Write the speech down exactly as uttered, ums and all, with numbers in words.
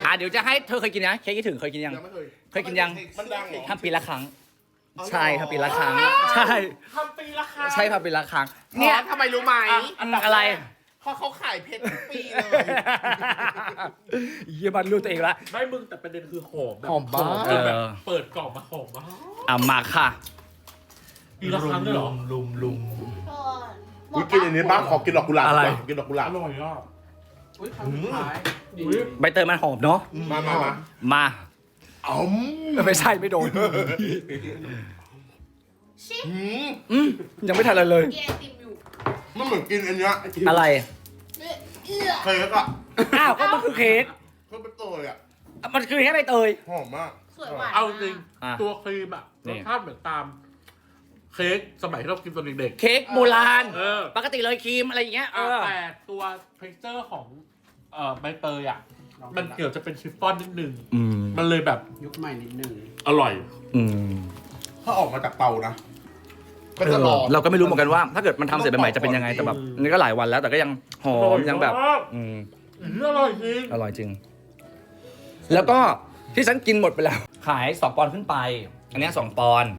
อ่ะเดี๋ยวจะให้เธอเคยกินนะเค้กคิดถึงเคยกินยังยังไม่เคยเคยกินยังมันดังเหรอทำปีละครั้งใช่ทำปีละครั้งใช่ทำปีละครั้งใช่ทำปีละครั้งเนี่เนี่ย ยทำไมรู้ไหมอะไรเพราะเขาขายเพชรทุกปีเลยเยี่ยมันรู้ตัวเองละไม่มึงแต่ประเด็นคือหอมแบบหอมมากจนแบบเออเปิดกล่องมาหอมมากอ่ะมาค่ะปีละครั้งเลยเหรอลุมลุมหมวิดกินอันนี้บ้างขอกินดอกกุหลาบอะไรดีกว่ากินดอกกุหลาอบ ร่อยอ่ะอุ้ยครั้งสุดท้ายดีอุ๊ยใบเตยมันหอมเนาะมามามามาอ๋อมไม่ใช่ไม่โดนชิปหืมอืมยังไม่ทันอะไรเลยเกียร์ติมอยู่มันเหมือนกินอันเนี้ยอะไรเนี่ยเอื้อเคยแล้วก็อ้าวก็มันคือเค้กเพิ่มเป็นตัวเลยอ่ะมันคือแค่ใบเตยหอมมากสวยหวานเอาจริงอ่ะตัวครีมอ่ะนี่รสชาติเหมือนตาม เค้กสมัยที่เรากินตอนเด็กเค้กโบราณๆเออปกติเลยครีมอะไรอย่างเงี้ยเออ่ะอแต่ตัวเท็กเจอร์ของเอ่อใบเตยอ่ะ มันเกี่ยวจะเป็นชิฟฟ่อนนิดนึงอืมมันเลยแบบยุคใหม่นิดนึงอร่อยอืมถ้าออกมาจากเตานะก็จะรอเราก็ไม่รู้เหมือนกันว่า ถ้าเกิดมันทำเสร็จใหม่ๆจะเป็นยังไงแต่แบบอืมนี่ก็หลายวันแล้วแต่ก็ยังหออร่มอยยังแบบมากอืมอืมอร่อยจริงอร่อยจริง แล้วก็ที่ฉันกินหมดไปแล้ว ขายสองปอนด์ขึ้นไป อันเนี้ยสองปอนด์